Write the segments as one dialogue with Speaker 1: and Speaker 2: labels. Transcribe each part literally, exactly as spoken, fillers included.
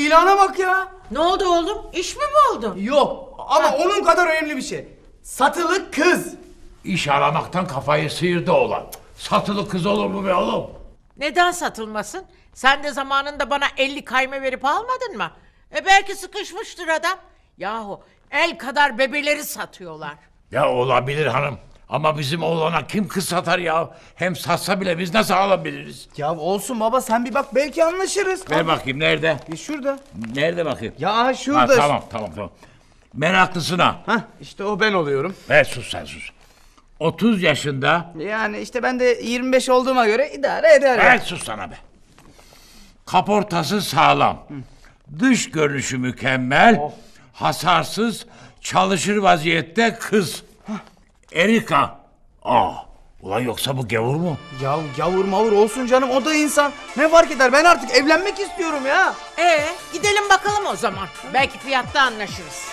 Speaker 1: ilana bak ya.
Speaker 2: Ne oldu oğlum? İş mi buldun?
Speaker 1: Yok ama onun kadar önemli bir şey. Satılık kız.
Speaker 3: İş aramaktan kafayı sıyırdı oğlan. Satılı kız olur mu be oğlum?
Speaker 2: Neden satılmasın? Sen de zamanında bana elli kayme verip almadın mı? E belki sıkışmıştır adam. Yahu el kadar bebeleri satıyorlar.
Speaker 3: Ya olabilir hanım. Ama bizim oğlana kim kız satar ya? Hem satsa bile biz nasıl alabiliriz?
Speaker 1: Ya olsun baba, sen bir bak, belki anlaşırız.
Speaker 3: Ver bakayım nerede?
Speaker 1: E şurada.
Speaker 3: Nerede bakayım?
Speaker 1: Ya
Speaker 3: Ha,
Speaker 1: şurada.
Speaker 3: tamam tamam tamam. Meraklısına.
Speaker 1: Hah, işte o ben oluyorum.
Speaker 3: Ver sus sen sus. otuz yaşında.
Speaker 1: Yani işte ben de yirmi beş olduğuma göre idare eder.
Speaker 3: Ver
Speaker 1: ya.
Speaker 3: sus sana be. Kaportası sağlam. Dış görünüşü mükemmel. Hasarsız, çalışır vaziyette kız. Erika. Aa, ulan yoksa bu gavur mu?
Speaker 1: Ya yavur mavur olsun canım, o da insan. Ne fark eder, ben artık evlenmek istiyorum ya.
Speaker 2: E gidelim bakalım o zaman. Belki fiyatta anlaşırız.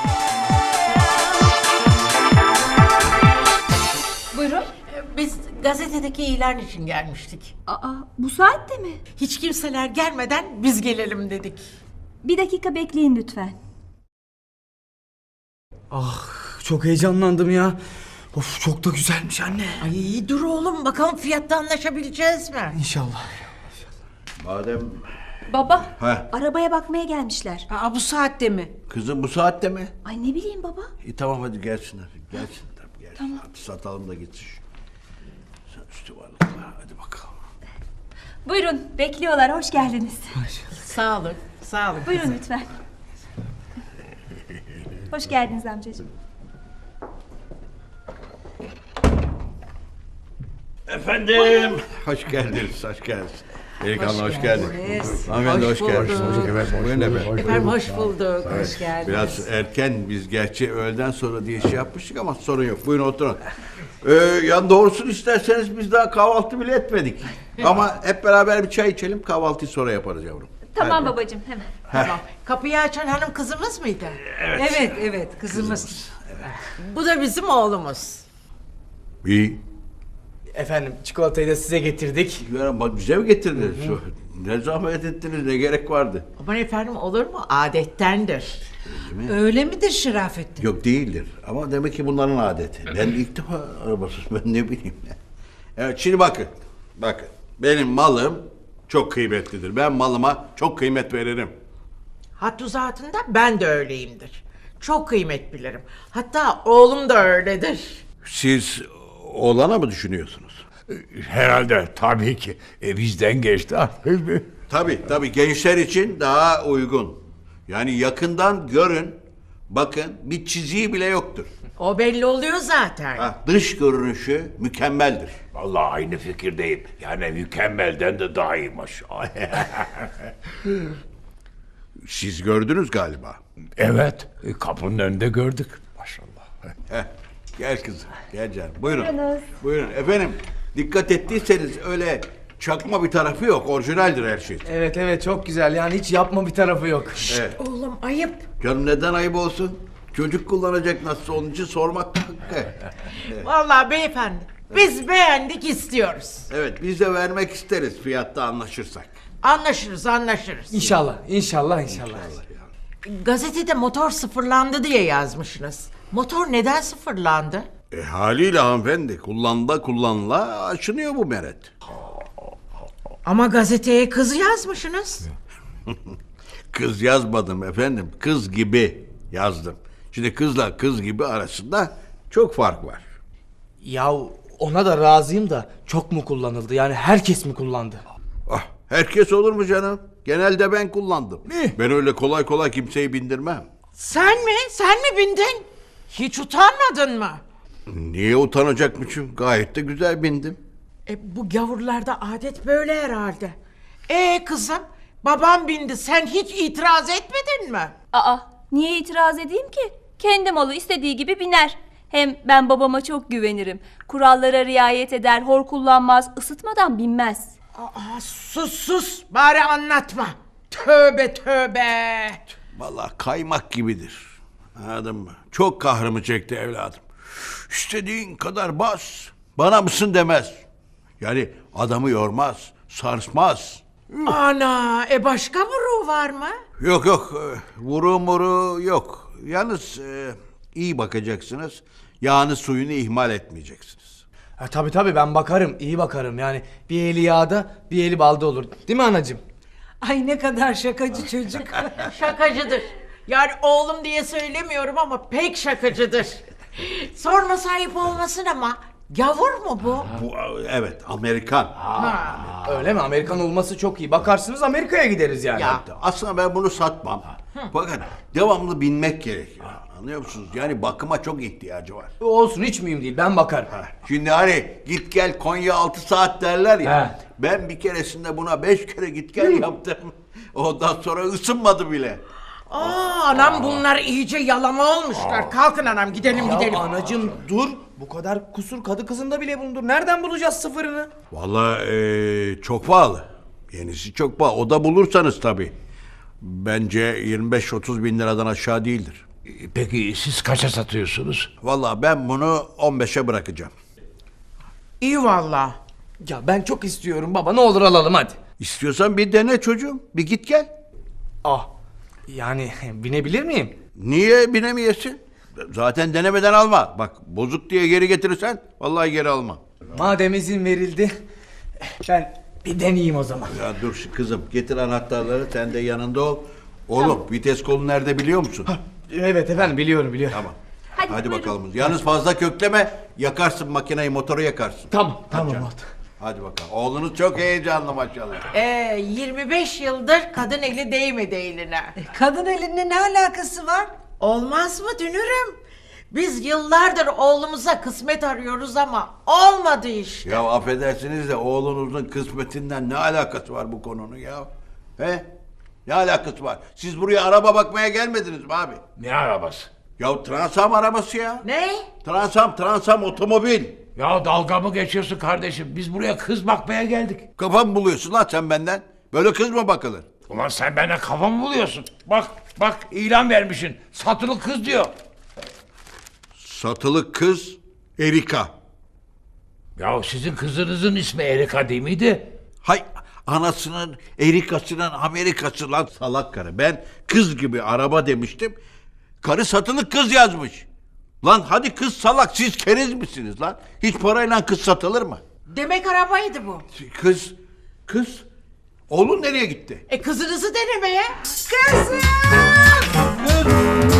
Speaker 4: Buyurun.
Speaker 2: E, Biz gazetedeki ilan için gelmiştik.
Speaker 4: Aa, bu saatte mi?
Speaker 2: Hiç kimseler gelmeden biz gelelim dedik.
Speaker 4: Bir dakika bekleyin lütfen.
Speaker 1: Ah, çok heyecanlandım ya. Of, çok da güzelmiş anne.
Speaker 2: Ay dur oğlum, bakalım fiyatta anlaşabileceğiz mi?
Speaker 1: İnşallah.
Speaker 5: Madem
Speaker 4: Baba,
Speaker 5: Ha.
Speaker 4: arabaya bakmaya gelmişler.
Speaker 2: Aa, bu saatte mi?
Speaker 5: kızım bu saatte mi?
Speaker 4: Ay ne bileyim baba.
Speaker 5: İyi tamam hadi gelsinler. Gelsinler tabii gelsin. Tamam. Hadi satalım da gitsin. Sen üstü varlıkla hadi bakalım.
Speaker 4: Buyurun, bekliyorlar. Hoş geldiniz.
Speaker 2: Sağ olun, sağ olun.
Speaker 4: Buyurun lütfen. Hoş geldiniz amcacığım.
Speaker 5: Efendim. Hoş geldiniz, hoş geldiniz. Delikanlı hoş, geldiniz. Hanımefendi hoş,
Speaker 2: Hoş
Speaker 5: geldiniz.
Speaker 2: bulduk.
Speaker 5: Evet, buyurun efendim.
Speaker 2: Efendim hoş bulduk, hoş geldiniz.
Speaker 5: Biraz erken, biz gerçi öğleden sonra diye şey yapmıştık ama sorun yok. Buyurun oturun. Ee, yani doğrusunu isterseniz biz daha kahvaltı bile etmedik. Ama hep beraber bir çay içelim, kahvaltıyı sonra yaparız yavrum.
Speaker 4: Tamam babacığım, hemen.
Speaker 2: Tamam. Kapıyı açan hanım kızımız mıydı?
Speaker 6: Evet, evet, kızımız.
Speaker 2: Bu da bizim oğlumuz.
Speaker 5: İyi.
Speaker 1: Efendim, çikolatayı da size getirdik.
Speaker 5: Ya bak bize mi getirdiniz? Ne zahmet ettiniz, ne gerek vardı?
Speaker 2: Aman efendim, olur mu? Adettendir.
Speaker 6: Öyle midir Şerafettin?
Speaker 5: Yok değildir ama demek ki bunların adeti. Ben ilk defa arabasız, ben ne bileyim. Evet şimdi bakın, bakın. Benim malım çok kıymetlidir. Ben malıma çok kıymet veririm.
Speaker 2: Hattı zatında ben de öyleyimdir. Çok kıymet bilirim. Hatta oğlum da öyledir.
Speaker 5: Siz oğlana mı düşünüyorsunuz?
Speaker 3: Herhalde tabii ki. E, bizden geçti artık.
Speaker 5: Tabii tabii gençler için daha uygun. Yani yakından görün, bakın bir çiziği bile yoktur.
Speaker 2: O belli oluyor zaten.
Speaker 5: Ha, dış görünüşü mükemmeldir.
Speaker 3: Vallahi aynı fikirdeyim. Yani mükemmelden de daha iyiymiş.
Speaker 5: Siz gördünüz galiba.
Speaker 3: Evet, e, kapının önünde gördük. Maşallah.
Speaker 5: Heh, gel kızım, gel canım. Buyurun.
Speaker 4: Buyurunuz.
Speaker 5: Buyurun. Efendim, dikkat ettiyseniz öyle çakma bir tarafı yok. Orijinaldir her şey.
Speaker 1: Evet evet, çok güzel, yani hiç yapma bir tarafı yok.
Speaker 5: Evet.
Speaker 2: Oğlum ayıp.
Speaker 5: Canım neden ayıp olsun? Çocuk kullanacak nasıl onun için sormak da hakkı.
Speaker 2: Vallahi beyefendi, biz beğendik, istiyoruz.
Speaker 5: Evet, biz de vermek isteriz fiyatta anlaşırsak.
Speaker 2: Anlaşırız, anlaşırız.
Speaker 1: İnşallah, inşallah, inşallah.
Speaker 2: Gazetede motor sıfırlandı diye yazmışsınız. Motor neden sıfırlandı?
Speaker 5: E haliyle hanımefendi, kullanıla kullanıla aşınıyor bu meret.
Speaker 2: Ama gazeteye kız yazmışsınız.
Speaker 5: Kız yazmadım efendim, kız gibi yazdım. Şimdi kızla kız gibi arasında çok fark var.
Speaker 1: Ya ona da razıyım da, çok mu kullanıldı? Yani herkes mi kullandı?
Speaker 5: Ah, herkes olur mu canım? Genelde ben kullandım.
Speaker 3: Ne?
Speaker 5: Ben öyle kolay kolay kimseyi bindirmem.
Speaker 2: Sen mi? Sen mi bindin? Hiç utanmadın mı?
Speaker 5: Niye utanacakmışım? Gayet de güzel bindim.
Speaker 2: E, bu gavurlarda adet böyle herhalde. E kızım, babam bindi, sen hiç itiraz etmedin mi?
Speaker 4: Aa, niye itiraz edeyim ki? Kendi malı istediği gibi biner. Hem ben babama çok güvenirim. Kurallara riayet eder, hor kullanmaz, ısıtmadan binmez.
Speaker 2: Aa, sus sus, bari anlatma. Tövbe tövbe.
Speaker 5: Vallahi kaymak gibidir. Anladın mı? Çok kahrımı çekti evladım. İstediğin kadar bas. Bana mısın demez. Yani adamı yormaz, sarsmaz.
Speaker 2: Ana, e başka bir ruh mu var mı?
Speaker 5: Yok yok, e, vuru muru yok. Yalnız e, iyi bakacaksınız. Yağını suyunu ihmal etmeyeceksiniz.
Speaker 1: Ha, tabii tabii ben bakarım, iyi bakarım. Yani bir eli yağda, bir eli balda olur. Değil mi anacığım?
Speaker 6: Ay ne kadar şakacı çocuk.
Speaker 2: Şakacıdır. Yani oğlum diye söylemiyorum ama pek şakacıdır. Sorma sahip olmasın ama gavur mu bu?
Speaker 5: Bu evet, Amerikan.
Speaker 1: Öyle mi? Amerikan olması çok iyi. Bakarsınız Amerika'ya gideriz yani.
Speaker 2: Ya.
Speaker 5: Aslında ben bunu satmam. Fakat devamlı binmek gerekiyor. Anlıyor musunuz? Yani bakıma çok ihtiyacı var.
Speaker 1: Olsun, hiç mühim değil. Ben bakarım.
Speaker 5: Şimdi hani git gel Konya altı saat derler ya.
Speaker 1: He.
Speaker 5: Ben bir keresinde buna beş kere git gel yaptım. Ondan sonra ısınmadı bile.
Speaker 2: Aa, anam bunlar iyice yalama olmuşlar. Kalkın anam gidelim
Speaker 1: Ya
Speaker 2: gidelim.
Speaker 1: anacığım dur. Bu kadar kusur kadı kızında bile bulundur. Nereden bulacağız sıfırını?
Speaker 5: Vallahi eee, çok pahalı. Yenisi çok pahalı. O da bulursanız tabii. Bence yirmi beş otuz bin liradan aşağı değildir.
Speaker 3: Peki siz kaça satıyorsunuz?
Speaker 5: Vallahi ben bunu on beşe bırakacağım.
Speaker 2: İyi valla.
Speaker 1: Ya ben çok istiyorum baba. Ne olur alalım hadi.
Speaker 5: İstiyorsan bir dene çocuğum. Bir git gel.
Speaker 1: Ah. Yani binebilir miyim?
Speaker 5: Niye binemeyesin? Zaten denemeden alma. Bak bozuk diye geri getirirsen vallahi geri alma.
Speaker 1: Madem izin verildi. Ben bir deneyeyim o zaman.
Speaker 5: Ya dur şu kızım, getir anahtarları, sen de yanında ol. Oğlum vites kolu nerede biliyor musun?
Speaker 1: Evet efendim, biliyorum biliyorum.
Speaker 5: Tamam.
Speaker 4: Hadi,
Speaker 5: Hadi
Speaker 4: buyurun.
Speaker 5: bakalım. Yalnız fazla kökleme, yakarsın makineyi, motoru yakarsın.
Speaker 1: Tamam tamam. oldu.
Speaker 5: Hadi bakalım. Oğlunuz çok heyecanlı maşallah.
Speaker 2: Ee, yirmi beş yıldır kadın eli değmedi eline.
Speaker 6: Kadın elinde ne alakası var?
Speaker 2: Olmaz mı dünürüm? Biz yıllardır oğlumuza kısmet arıyoruz ama olmadı işte.
Speaker 5: Ya affedersiniz de oğlunuzun kısmetinden ne alakası var bu konunun ya? He? Ne alakası var? Siz buraya araba bakmaya gelmediniz mi abi?
Speaker 3: Ne arabası?
Speaker 5: Ya Transam arabası ya.
Speaker 2: Ne?
Speaker 5: Transam, Transam otomobil.
Speaker 3: Ya dalga mı geçiyorsun kardeşim? Biz buraya kız bakmaya geldik.
Speaker 5: Kafa mı buluyorsun lan sen benden? Böyle kız mı bakılır?
Speaker 3: Ulan sen benden kafa mı buluyorsun? Bak bak ilan vermişsin. Satılık kız diyor.
Speaker 5: Satılık kız Erika.
Speaker 3: Ya sizin kızınızın ismi Erika değil miydi?
Speaker 5: Hay anasının Erika'sının Amerikası lan salak karı. Ben kız gibi araba demiştim. Karı satılık kız yazmış. Lan hadi kız salak, siz keriz misiniz lan? Hiç parayla kız satılır mı?
Speaker 2: Demek arabaydı bu.
Speaker 5: Kız, kız. Oğlun nereye gitti?
Speaker 2: E kızınızı denemeye.
Speaker 5: Kız!